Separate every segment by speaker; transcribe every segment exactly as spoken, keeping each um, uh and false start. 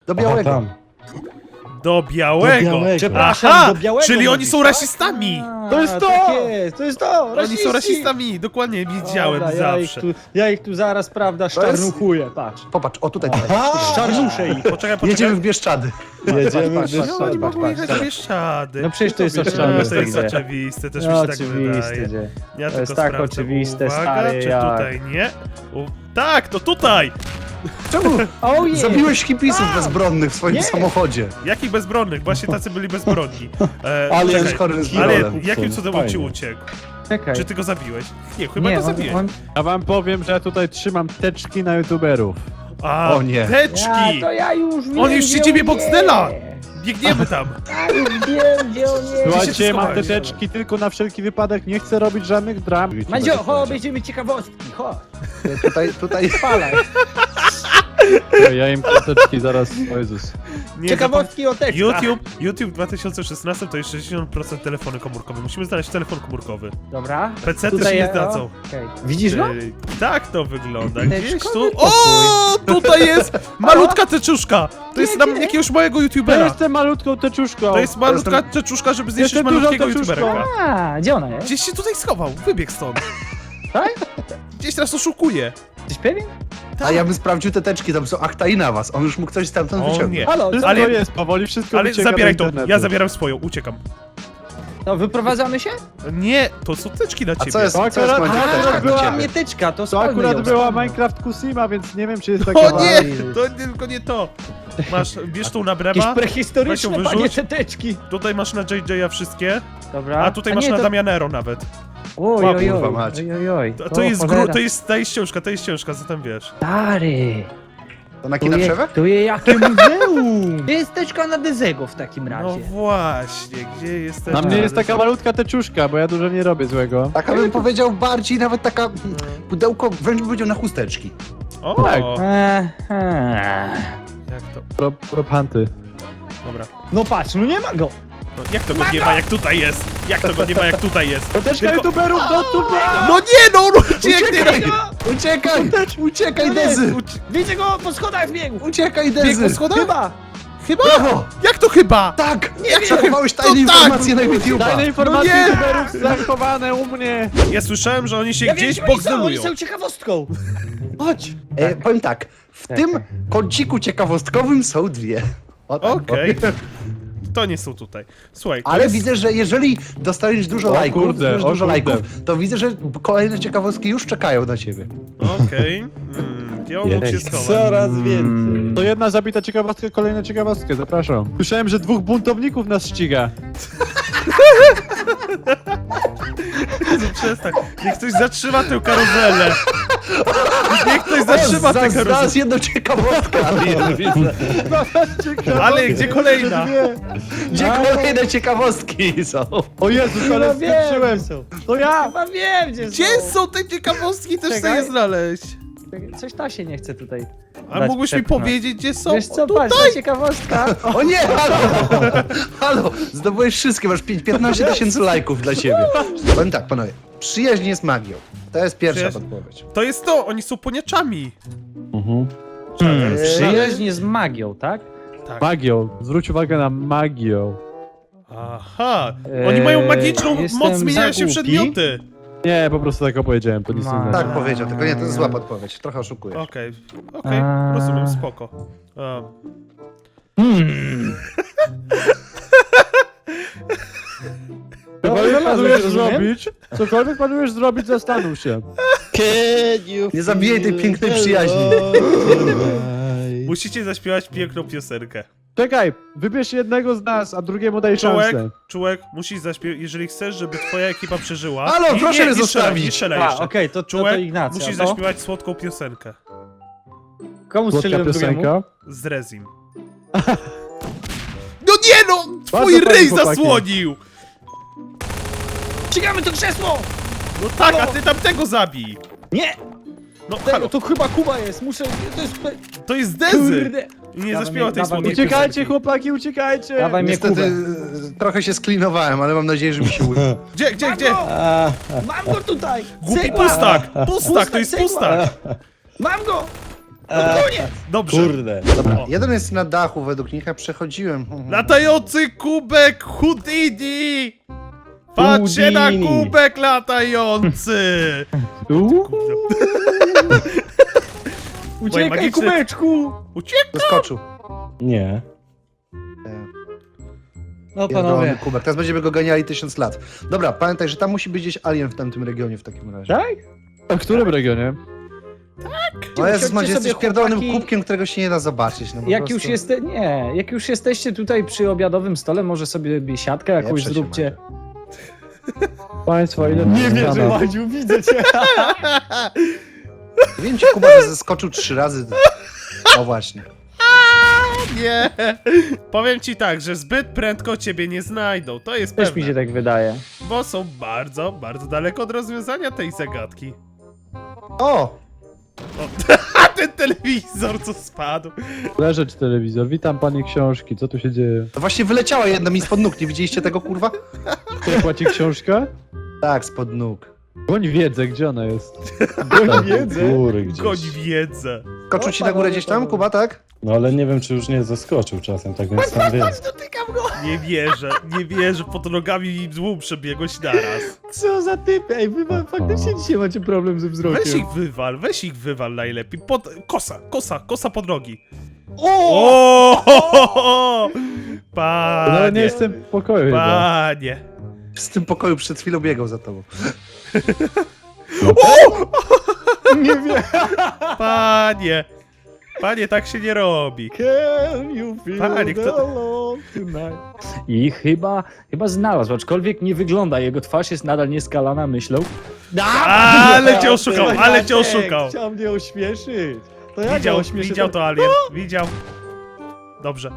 Speaker 1: Do białego.
Speaker 2: Aha, tam.
Speaker 3: Do białego.
Speaker 2: Do białego.
Speaker 4: Przepraszam,
Speaker 3: Aha,
Speaker 4: do białego
Speaker 3: czyli oni
Speaker 4: mówisz,
Speaker 3: są
Speaker 4: tak?
Speaker 3: rasistami.
Speaker 4: A,
Speaker 2: To jest to!
Speaker 4: Tak jest, to jest to!
Speaker 3: Oni
Speaker 4: Rasiści.
Speaker 3: są rasistami, dokładnie, widziałem
Speaker 4: Dobra, ja ich,
Speaker 3: zawsze.
Speaker 4: tu, ja ich tu zaraz, prawda, szczarnuchuję, patrz.
Speaker 1: Popatrz, o tutaj, tutaj.
Speaker 2: Aha!
Speaker 4: Szczarnuszę ich.
Speaker 3: Poczekaj, poczekaj.
Speaker 1: Jedziemy w Bieszczady.
Speaker 2: Jedziemy
Speaker 4: patrz,
Speaker 2: w
Speaker 4: patrz,
Speaker 3: No,
Speaker 4: patrz,
Speaker 3: nie
Speaker 4: patrz,
Speaker 3: mogą
Speaker 4: patrz,
Speaker 3: jechać
Speaker 4: patrz.
Speaker 3: Bieszczady.
Speaker 4: No przecież to jest
Speaker 2: No,
Speaker 3: No,
Speaker 4: oczywiste.
Speaker 3: to jest
Speaker 4: że-
Speaker 3: oczywiste, też mi
Speaker 4: No
Speaker 3: się tak
Speaker 4: oczywiste,
Speaker 3: wydaje.
Speaker 4: że-
Speaker 3: Ja
Speaker 4: to
Speaker 3: tylko
Speaker 4: jest tak
Speaker 3: sprawdzę.
Speaker 4: oczywiste,
Speaker 3: Uwaga,
Speaker 4: stary,
Speaker 3: czy
Speaker 4: jak.
Speaker 3: tutaj nie? U... Tak, to tutaj!
Speaker 1: Czemu
Speaker 4: Oh yeah.
Speaker 1: zabiłeś hipisów bezbronnych w swoim
Speaker 4: Nie.
Speaker 1: samochodzie?
Speaker 3: Jakich bezbronnych? Właśnie tacy byli bezbronni. E,
Speaker 1: Ale
Speaker 3: czekaj,
Speaker 1: jest chory z
Speaker 3: ale
Speaker 1: Birolem.
Speaker 3: jakim cudem on ci
Speaker 2: Fajnie.
Speaker 3: uciekł?
Speaker 4: Czekaj.
Speaker 3: Czy ty go zabiłeś? Nie, chyba
Speaker 4: Nie,
Speaker 3: go
Speaker 4: on,
Speaker 3: zabiłeś.
Speaker 4: on...
Speaker 2: Ja wam powiem, że ja tutaj trzymam teczki na youtuberów.
Speaker 3: A,
Speaker 1: O nie.
Speaker 3: teczki!
Speaker 4: Ja, to ja już wiem,
Speaker 3: On już
Speaker 4: gdzie
Speaker 3: ci ciebie
Speaker 4: on
Speaker 3: Boxdela!
Speaker 4: jest.
Speaker 3: Biegniemy tam!
Speaker 4: Ja już wiem, gdzie on jest.
Speaker 2: Słuchajcie, mam te
Speaker 3: schowałeś?
Speaker 2: teczki tylko na wszelki wypadek, nie chcę robić żadnych dram.
Speaker 4: Mandzio, chodź, będziemy ciekawostki, chodź.
Speaker 1: Tutaj, tutaj.
Speaker 4: Spalaj.
Speaker 2: Ja im te teczki zaraz, o Jezus.
Speaker 3: Nie,
Speaker 4: Ciekawostki o tekstach.
Speaker 3: YouTube, YouTube w dwa tysiące szesnastym to jest sześćdziesiąt procent telefony komórkowe. Musimy znaleźć telefon komórkowy.
Speaker 4: Dobra.
Speaker 3: P C też
Speaker 4: Tutaj
Speaker 3: nie
Speaker 4: ja-
Speaker 3: zdadzą.
Speaker 4: o, okej. Widzisz go?
Speaker 3: Ej, tak to wygląda.
Speaker 4: Teczkowy
Speaker 3: Gdzieś tu.
Speaker 4: pokój.
Speaker 3: O, tutaj jest malutka teczuszka. To jest nam jakiegoś mojego
Speaker 2: Ja
Speaker 3: youtubera.
Speaker 2: jestem malutką teczuszką.
Speaker 3: To jest malutka teczuszka, żeby zniszczyć
Speaker 2: Jestem dużą
Speaker 3: malutkiego
Speaker 2: teczuszką.
Speaker 3: youtubera.
Speaker 4: A, gdzie ona jest?
Speaker 3: Gdzieś się tutaj schował, wybiegł stąd.
Speaker 4: Tak?
Speaker 3: Gdzieś teraz oszukuje.
Speaker 4: Jesteś pewien?
Speaker 1: A ja bym sprawdził te teczki, tam są akta i na was. On już mógł coś stamtąd
Speaker 3: O
Speaker 1: wyciągnąć.
Speaker 3: nie.
Speaker 4: Halo,
Speaker 2: Wszystko
Speaker 3: Ale-
Speaker 2: jest, powoli wszystko
Speaker 3: Ale
Speaker 2: wycieka
Speaker 3: zabieraj
Speaker 2: do
Speaker 3: to,
Speaker 2: internetu.
Speaker 3: ja zabieram swoją, uciekam.
Speaker 4: to wyprowadzamy się?
Speaker 3: Nie, to są teczki dla
Speaker 1: A
Speaker 3: ciebie.
Speaker 1: co jest,
Speaker 2: To
Speaker 1: co jest
Speaker 2: akurat-
Speaker 1: moja
Speaker 2: a,
Speaker 1: teczka
Speaker 2: akurat
Speaker 1: dla
Speaker 2: była
Speaker 1: ciebie?
Speaker 4: Nie tyczka, to
Speaker 2: To
Speaker 4: spalmy
Speaker 2: akurat
Speaker 4: ją.
Speaker 2: była Minecraft Kusima, więc nie wiem, czy jest taka...
Speaker 3: O nie,
Speaker 4: Oj.
Speaker 3: to tylko nie to. Masz, bierz tą na
Speaker 4: Jakieś
Speaker 3: brema,
Speaker 4: prehistoryczne,
Speaker 3: weź ją
Speaker 4: panie,
Speaker 3: wyrzuć.
Speaker 4: te teczki.
Speaker 3: tutaj masz na J J a wszystkie,
Speaker 4: Dobra.
Speaker 3: a tutaj masz
Speaker 4: nie,
Speaker 3: na
Speaker 4: to...
Speaker 3: Damianero nawet.
Speaker 4: Oj,
Speaker 1: O,
Speaker 4: oj,
Speaker 1: kurwa
Speaker 4: oj,
Speaker 1: mać.
Speaker 4: oj, oj, oj.
Speaker 3: To, to
Speaker 4: O,
Speaker 3: jest gru,
Speaker 4: cholera.
Speaker 3: to jest, ta jest książka, to jest książka, co tam wiesz?
Speaker 4: Stary.
Speaker 1: To na
Speaker 4: Tu
Speaker 1: kina
Speaker 4: je,
Speaker 1: przewę?
Speaker 4: tu je jakie muzeum. Gdzie jest teczka na Dezego w takim
Speaker 3: No
Speaker 4: razie?
Speaker 3: właśnie, gdzie jest
Speaker 2: Na mnie jest taka malutka teczuszka, bo ja dużo nie robię złego.
Speaker 1: Taka bym powiedział bardziej, nawet taka mm, pudełko, wręcz bym powiedział na chusteczki.
Speaker 3: O,
Speaker 2: Tak.
Speaker 4: Eee.
Speaker 3: jak to,
Speaker 2: Pro, prophanty.
Speaker 3: dobra.
Speaker 4: No patrz, no nie ma go.
Speaker 3: No, jak to go nie ma, jak tutaj jest? Jak to go nie ma, jak tutaj jest?
Speaker 2: To teczka
Speaker 3: Tylko-
Speaker 2: youtuberów, do tu
Speaker 3: No nie, no, no ucieknie!
Speaker 1: Uciekaj! Uciekaj,
Speaker 4: No nie,
Speaker 1: Dezy!
Speaker 4: Widzę go po schodach biegł.
Speaker 1: Uciekaj,
Speaker 3: Biegł po
Speaker 1: Dezy!
Speaker 3: schodach?
Speaker 4: Chyba.
Speaker 3: Chyba?
Speaker 1: Brawo!
Speaker 3: Jak to chyba?
Speaker 1: Tak!
Speaker 3: Nie
Speaker 1: Jak
Speaker 3: wiem.
Speaker 1: przechowałeś tajne
Speaker 3: To tak.
Speaker 1: informacje na YouTube'a?
Speaker 2: Tajne informacje
Speaker 3: No nie!
Speaker 2: youtuberów zachowane u mnie.
Speaker 3: Ja słyszałem, że oni się
Speaker 4: Ja
Speaker 3: gdzieś
Speaker 4: wiem, gdzie oni są, oni
Speaker 3: bogzelują.
Speaker 4: są ciekawostką. Chodź.
Speaker 1: E, powiem tak, w
Speaker 4: Tak,
Speaker 1: tym
Speaker 4: tak.
Speaker 1: kąciku ciekawostkowym są dwie. O tak
Speaker 3: Okej.
Speaker 1: powiem.
Speaker 3: To nie są tutaj. Słuchaj, to
Speaker 1: Ale
Speaker 3: jest...
Speaker 1: widzę, że jeżeli dostaniesz dużo
Speaker 2: O
Speaker 1: lajków,
Speaker 2: kurde,
Speaker 1: dużo,
Speaker 2: o
Speaker 1: dużo
Speaker 2: kurde.
Speaker 1: lajków, to widzę, że kolejne ciekawostki już czekają na ciebie.
Speaker 3: Okej. Mm, gdzie on mógł się schować?
Speaker 2: Coraz
Speaker 4: Mm.
Speaker 2: więcej. To jedna zabita ciekawostka, kolejna ciekawostka, zapraszam. Słyszałem, że dwóch buntowników nas ściga.
Speaker 3: Przestań. Niech ktoś zatrzyma tę karuzelę. Niech ktoś zatrzyma tę
Speaker 1: Zaraz-
Speaker 3: karuzelę.
Speaker 1: Zaraz jedną ciekawostkę, ale jedną widzę.
Speaker 3: Ale gdzie kolejna?
Speaker 1: Gdzie kolejne ciekawostki są?
Speaker 2: O Jezus, ale
Speaker 4: No wiem,
Speaker 2: skończyłem.
Speaker 4: są.
Speaker 2: To ja!
Speaker 4: Chyba wiem, gdzie,
Speaker 3: Gdzie
Speaker 4: są.
Speaker 3: są te ciekawostki? Też chcę
Speaker 4: Czekaj.
Speaker 3: je znaleźć.
Speaker 4: Coś ta się nie chce tutaj.
Speaker 3: A
Speaker 4: dać
Speaker 3: mógłbyś mi
Speaker 4: przepchnąć.
Speaker 3: powiedzieć, gdzie są?
Speaker 4: Wiesz co,
Speaker 3: O,
Speaker 4: patrz,
Speaker 3: tutaj!
Speaker 4: ta ciekawostka.
Speaker 1: O nie, halo! Halo, zdobyłeś wszystkie, masz pię- piętnaście tysięcy lajków dla siebie. Powiem tak, panowie, przyjaźń jest magią. To jest pierwsza
Speaker 3: Przyjaźń-
Speaker 1: podpowiedź.
Speaker 3: To jest to, oni są poniaczami.
Speaker 2: Mhm.
Speaker 4: Hmm,
Speaker 1: Eee,
Speaker 4: przyjaźń z magią, tak?
Speaker 3: Tak.
Speaker 2: Magią. Zwróć uwagę na magią.
Speaker 3: Aha. Oni mają magiczną
Speaker 4: Eee, jestem
Speaker 3: moc zmieniania się w
Speaker 4: za głupi.
Speaker 3: przedmioty.
Speaker 2: Nie, po prostu tak opowiedziałem, to nic nie
Speaker 4: Ma-
Speaker 2: znaczy.
Speaker 1: Tak powiedział, tylko nie, to jest zła podpowiedź. Trochę oszukujesz.
Speaker 3: Okej, okej,
Speaker 4: A.
Speaker 3: rozumiem, spoko. Um,
Speaker 4: Hmm.
Speaker 2: Cokolwiek
Speaker 4: Dobra,
Speaker 2: planujesz
Speaker 4: rozumiem.
Speaker 2: zrobić, cokolwiek planujesz zrobić, zastanów się.
Speaker 1: Nie zabijaj tej pięknej przyjaźni.
Speaker 3: musicie zaśpiewać piękną piosenkę.
Speaker 2: Czekaj, wybierz jednego z nas, a drugiemu daj
Speaker 3: Czułek,
Speaker 2: szansę.
Speaker 3: czułek, musisz zaśpiewać, jeżeli chcesz, żeby twoja ekipa przeżyła.
Speaker 1: Halo,
Speaker 3: I-
Speaker 1: proszę
Speaker 3: nie,
Speaker 1: mnie
Speaker 3: nie strzelaj,
Speaker 1: zostawić.
Speaker 3: nie strzelaj
Speaker 4: A,
Speaker 3: jeszcze.
Speaker 4: okej, to, to, to
Speaker 3: Czułek,
Speaker 4: Ignacja.
Speaker 3: musisz
Speaker 4: to?
Speaker 3: zaśpiewać słodką piosenkę.
Speaker 4: Komu
Speaker 2: Słodka
Speaker 4: strzeliłem drugiemu?
Speaker 2: piosenka.
Speaker 3: Z Rezim. No nie no! Twój
Speaker 2: Bardzo
Speaker 3: ryj
Speaker 2: fajnie, chłopaki.
Speaker 3: zasłonił!
Speaker 4: Ścigamy to krzesło!
Speaker 3: No tak, a ty tamtego zabij!
Speaker 4: Nie!
Speaker 3: No
Speaker 4: Tego,
Speaker 3: halo,
Speaker 4: to chyba Kuba jest, muszę... To jest...
Speaker 3: to jest Dezy!
Speaker 4: Kurde!
Speaker 3: I nie
Speaker 4: Dawaj
Speaker 3: zaśpiewa
Speaker 4: mnie,
Speaker 3: tej
Speaker 4: dawaj
Speaker 3: słodkiej
Speaker 4: mnie.
Speaker 2: Uciekajcie,
Speaker 3: piosenki.
Speaker 2: chłopaki, uciekajcie!
Speaker 4: Dawaj mnie
Speaker 1: Niestety
Speaker 4: Kubę.
Speaker 1: e, trochę się sklinowałem, ale mam nadzieję, że mi się uda.
Speaker 3: Gdzie, gdzie, gdzie?
Speaker 4: Mam go! Mam go tutaj!
Speaker 3: Głupi
Speaker 4: Cegła!
Speaker 3: pustak! Pustak, to jest
Speaker 4: cegła.
Speaker 3: pustak!
Speaker 4: Mam go!
Speaker 3: Dobrze.
Speaker 5: Kurde.
Speaker 1: Dobra,
Speaker 3: O.
Speaker 1: jeden jest na dachu według nich, a przechodziłem.
Speaker 3: Latający kubek Houdini! Patrzcie na
Speaker 5: Houdini.
Speaker 3: kubek latający!
Speaker 2: Uuu.
Speaker 4: Uciekaj,
Speaker 3: magiczny-
Speaker 4: kubeczku!
Speaker 3: Uciek!
Speaker 1: Doskoczył.
Speaker 5: Nie.
Speaker 4: No
Speaker 1: Pierdolony
Speaker 4: panowie.
Speaker 1: kubek. Teraz będziemy go ganiali tysiąc lat. Dobra, pamiętaj, że tam musi być gdzieś alien w tamtym regionie w takim razie.
Speaker 4: Tak?
Speaker 2: A w którym regionie?
Speaker 1: No Jezus,
Speaker 4: Usiądźcie
Speaker 1: Macie, jesteś
Speaker 4: sobie,
Speaker 1: pierdolonym
Speaker 4: chłopaki.
Speaker 1: kubkiem, którego się nie da zobaczyć. No po
Speaker 4: Jak
Speaker 1: prostu.
Speaker 4: już, jeste... nie, jak już jesteście tutaj przy obiadowym stole, może sobie siatkę jakąś
Speaker 1: Pieprze się,
Speaker 4: zróbcie.
Speaker 2: Państwo, ile
Speaker 4: Nie
Speaker 2: to
Speaker 4: wierzę,
Speaker 2: stanów?
Speaker 4: Madziu, widzę cię.
Speaker 1: Wiem ci, Kuba, że zeskoczył trzy razy. O właśnie.
Speaker 3: Nie! Powiem ci tak, że zbyt prędko ciebie nie znajdą, to jest
Speaker 4: Też mi się
Speaker 3: pewne.
Speaker 4: tak wydaje.
Speaker 3: Bo są bardzo, bardzo daleko od rozwiązania tej zagadki.
Speaker 1: O!
Speaker 3: A ten telewizor co spadł!
Speaker 2: Leżeć telewizor, witam panie książki, co tu się dzieje?
Speaker 1: To właśnie wyleciała jedna mi spod nóg. Nie widzieliście tego, kurwa?
Speaker 2: Kto płaci książkę?
Speaker 1: Tak, spod nóg.
Speaker 2: Goń wiedzę, gdzie ona jest?
Speaker 5: Goń wiedzę. Góry gdzieś.
Speaker 3: Goń wiedzę.
Speaker 1: Skoczył ci na górę gdzieś tam, Kuba, tak?
Speaker 5: No ale nie wiem, czy już nie zaskoczył czasem, tak więc tam wiem.
Speaker 3: Nie wierzę, nie wierzę, pod nogami i złom przebiegłeś naraz.
Speaker 4: Co za typy? Ej, wy ma- faktycznie dzisiaj macie problem ze wzrokiem.
Speaker 3: Weź ich wywal, weź ich wywal najlepiej. Pod... Kosa, kosa, kosa pod nogi.
Speaker 4: O!
Speaker 3: O!
Speaker 2: No ale nie
Speaker 3: Panie,
Speaker 2: jestem w pokoju chyba.
Speaker 3: panie.
Speaker 1: Z tym pokoju przed chwilą biegał za tobą.
Speaker 4: Nie wiem.
Speaker 3: Panie. Panie, tak się nie robi.
Speaker 4: Can you feel
Speaker 3: Panie,
Speaker 4: the
Speaker 3: kto-
Speaker 4: love tonight? I chyba, chyba znalazł, aczkolwiek nie wygląda, jego twarz jest nadal nieskalana myślą.
Speaker 3: Ale cię oszukał, ale cię oszukał.
Speaker 4: Chciał mnie ośmieszyć. To ja
Speaker 3: Widział,
Speaker 4: go ośmieszę.
Speaker 3: widział to alien, widział. Dobrze.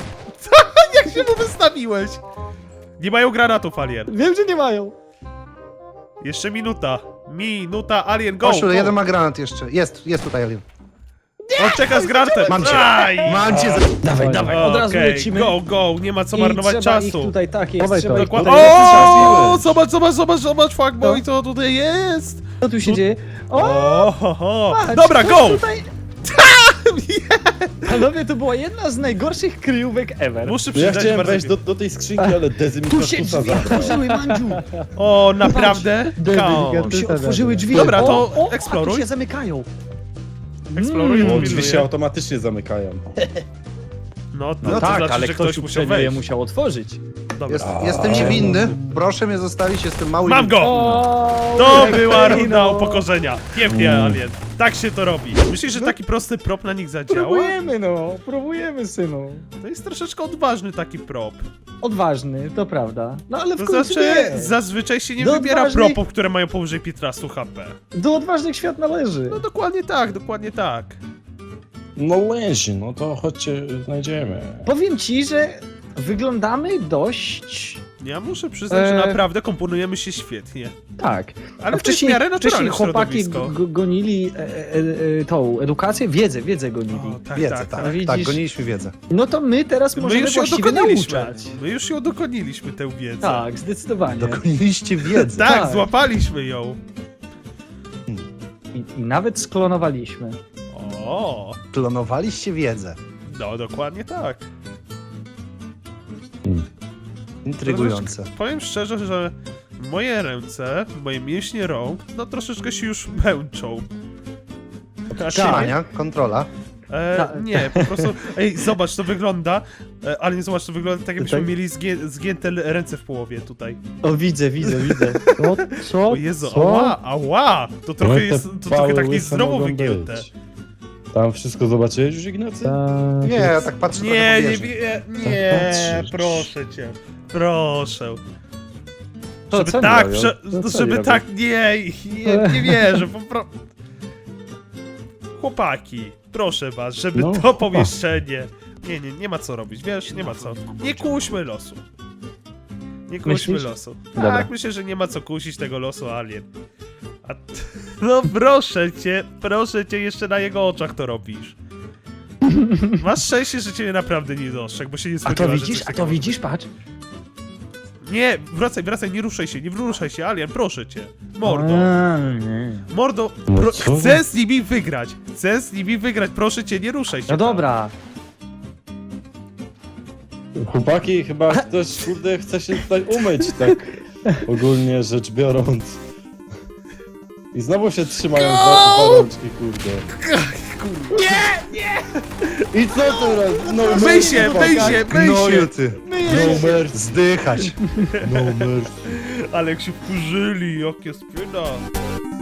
Speaker 3: Jak się mu wystawiłeś? Nie mają granatów, alien.
Speaker 4: Wiem, że nie mają.
Speaker 3: Jeszcze minuta. Minuta, alien, go!
Speaker 1: Osiu,
Speaker 3: go.
Speaker 1: jeden ma granat jeszcze. Jest, jest tutaj alien.
Speaker 3: On czeka z granatem.
Speaker 1: Mam cię.
Speaker 3: Aj!
Speaker 1: Mam cię za...
Speaker 4: Dawaj, dawaj, od razu
Speaker 3: Okej,
Speaker 4: lecimy.
Speaker 3: Go, go, nie ma co
Speaker 4: I
Speaker 3: marnować
Speaker 4: trzeba ich
Speaker 3: czasu.
Speaker 4: tutaj, tak jest,
Speaker 2: Dawaj
Speaker 4: trzeba
Speaker 2: to.
Speaker 4: ich
Speaker 3: Dokładnie.
Speaker 4: tutaj
Speaker 3: O, zobacz, zobacz, zobacz, zobacz, fuckboy, co tutaj jest.
Speaker 4: Co tu się dzieje? O,
Speaker 3: O, ho, ho.
Speaker 4: patrz,
Speaker 3: Dobra,
Speaker 4: ktoś
Speaker 3: go!
Speaker 4: Tutaj... Panowie, to była jedna z najgorszych kryjówek ever.
Speaker 3: Muszę
Speaker 5: No ja
Speaker 3: przyznać,
Speaker 5: chciałem
Speaker 3: bardzo
Speaker 5: wejść
Speaker 3: mi-
Speaker 5: do, do tej skrzynki, ale Dezy mi
Speaker 4: Tu się
Speaker 5: kaktusa
Speaker 4: drzwi
Speaker 5: zabrał.
Speaker 4: otworzyły, Mandziu.
Speaker 3: O, naprawdę?
Speaker 2: Debil,
Speaker 3: Count.
Speaker 2: gadaj.
Speaker 4: Tu się otworzyły drzwi.
Speaker 3: Dobra, to
Speaker 4: o, o,
Speaker 3: eksploruj.
Speaker 4: A tu się zamykają.
Speaker 3: Eksploruję,
Speaker 5: O,
Speaker 3: mm.
Speaker 5: drzwi się automatycznie zamykają.
Speaker 3: No,
Speaker 4: No,
Speaker 3: no to
Speaker 4: tak,
Speaker 3: znaczy,
Speaker 4: ale
Speaker 3: że
Speaker 4: ktoś,
Speaker 3: ktoś musiał
Speaker 4: uprzednio je
Speaker 3: wejść.
Speaker 4: musiał otworzyć.
Speaker 3: Dobra.
Speaker 1: Jest, jestem niewinny. Proszę mnie zostawić, jestem mały.
Speaker 3: Mam go!
Speaker 4: O,
Speaker 3: To
Speaker 4: jak
Speaker 3: była
Speaker 4: fajno.
Speaker 3: runda upokorzenia. Pięknie, alien. Tak się to robi. Myślisz, że taki prosty prop na nich zadziała?
Speaker 4: Próbujemy, no, próbujemy, synu.
Speaker 3: To jest troszeczkę odważny taki prop.
Speaker 4: Odważny, to prawda. No ale w
Speaker 3: To
Speaker 4: końcu
Speaker 3: znaczy,
Speaker 4: nie.
Speaker 3: zazwyczaj się nie
Speaker 4: Do
Speaker 3: wybiera
Speaker 4: odważnych-
Speaker 3: propów, które mają powyżej piętnaście H P.
Speaker 4: Do odważnych świat należy.
Speaker 3: No dokładnie tak, dokładnie tak.
Speaker 5: No lęsi, no to chodźcie, znajdziemy.
Speaker 4: Powiem ci, że wyglądamy dość...
Speaker 3: Ja muszę przyznać, że
Speaker 4: Eee.
Speaker 3: naprawdę komponujemy się świetnie.
Speaker 4: Tak.
Speaker 3: Ale
Speaker 4: A
Speaker 3: to jest w miarę
Speaker 4: wcześniej
Speaker 3: naturalne
Speaker 4: chłopaki
Speaker 3: środowisko.
Speaker 4: g- gonili e, e, e, tą edukację, wiedzę, wiedzę gonili.
Speaker 3: O, tak,
Speaker 1: Wiedzę,
Speaker 3: tak,
Speaker 1: tak.
Speaker 3: tak.
Speaker 1: Tak,
Speaker 4: Widzisz?
Speaker 1: goniliśmy wiedzę.
Speaker 4: No to my teraz
Speaker 3: My
Speaker 4: możemy
Speaker 3: już ją
Speaker 4: właściwie
Speaker 3: dokoniliśmy.
Speaker 4: nauczać.
Speaker 3: My już ją dokoniliśmy, tę wiedzę.
Speaker 4: Tak, zdecydowanie.
Speaker 1: Dogoniliście wiedzę.
Speaker 3: Tak,
Speaker 4: tak.
Speaker 3: złapaliśmy ją.
Speaker 4: I, I nawet sklonowaliśmy.
Speaker 3: O,
Speaker 1: Klonowaliście wiedzę.
Speaker 3: no dokładnie tak.
Speaker 1: Intrygujące.
Speaker 3: Powiem szczerze, że moje ręce, moje mięśnie rąk, no troszeczkę się już męczą. Znaczy, nie,
Speaker 1: Ania, kontrola.
Speaker 3: e,
Speaker 4: Ta-
Speaker 3: nie, po prostu, ej, zobacz, to wygląda, e, ale nie zobacz, to wygląda tak, jakbyśmy
Speaker 2: Tak?
Speaker 3: mieli zgię, zgięte l- ręce w połowie tutaj.
Speaker 4: O, widzę, widzę, widzę.
Speaker 2: Co? Co?
Speaker 3: O Jezu,
Speaker 2: Co?
Speaker 3: ała, ała, to trochę
Speaker 5: Ale te
Speaker 3: jest, to
Speaker 5: pały
Speaker 3: trochę tak
Speaker 5: łyse
Speaker 3: niezdrowo
Speaker 5: mogą
Speaker 3: wygięte.
Speaker 5: być. Tam wszystko zobaczyłeś już, Ignacy?
Speaker 2: Tak.
Speaker 1: Nie, ja tak patrzę
Speaker 3: Nie,
Speaker 1: trochę
Speaker 3: nie,
Speaker 1: po wieży.
Speaker 3: nie, nie,
Speaker 5: Patrzysz.
Speaker 3: proszę cię, proszę.
Speaker 4: To
Speaker 3: Żeby
Speaker 4: co oni
Speaker 3: tak,
Speaker 4: robią?
Speaker 3: prze,
Speaker 2: No co
Speaker 3: żeby
Speaker 2: oni
Speaker 3: tak, nie, nie, nie wierzę, po pro... Chłopaki, proszę was, żeby
Speaker 5: No,
Speaker 3: to
Speaker 5: chłopaki.
Speaker 3: pomieszczenie... Nie, nie, nie ma co robić, wiesz, nie ma co. Nie kuśmy losu. Nie kuśmy
Speaker 4: Myślisz?
Speaker 3: losu.
Speaker 4: Dobra.
Speaker 3: Tak, myślę, że nie ma co kusić tego losu, alien. A t... No proszę cię, proszę cię, jeszcze na jego oczach to robisz. Masz szczęście, że ciebie naprawdę nie dostrzegł, bo się nie
Speaker 4: A
Speaker 3: spodziewałem,
Speaker 4: to
Speaker 3: że
Speaker 4: widzisz,
Speaker 3: coś
Speaker 4: a
Speaker 3: takiego
Speaker 4: to
Speaker 3: może
Speaker 4: widzisz, patrz.
Speaker 3: Nie, wracaj, wracaj, nie ruszaj się, nie ruszaj się, Alien, proszę cię. Mordo.
Speaker 4: A, nie.
Speaker 3: Mordo,
Speaker 5: No
Speaker 3: pro,
Speaker 5: co?
Speaker 3: chcę z nimi wygrać. Chcę z nimi wygrać, proszę cię, nie ruszaj się.
Speaker 4: No
Speaker 3: tam.
Speaker 4: dobra.
Speaker 5: Chłopaki, chyba ktoś, kurde, chce się tutaj umyć, tak ogólnie rzecz biorąc. I znowu się trzymają za, za rączki, kurde. I co teraz? No
Speaker 3: Myj
Speaker 5: mercy,
Speaker 3: się,
Speaker 5: chłopaki.
Speaker 3: myj się, myj
Speaker 1: Gnoju
Speaker 3: się.
Speaker 1: ty.
Speaker 5: No mercy,
Speaker 1: Zdychać.
Speaker 5: no mercy.
Speaker 3: Ale jak się wkurzyli, jakie spina.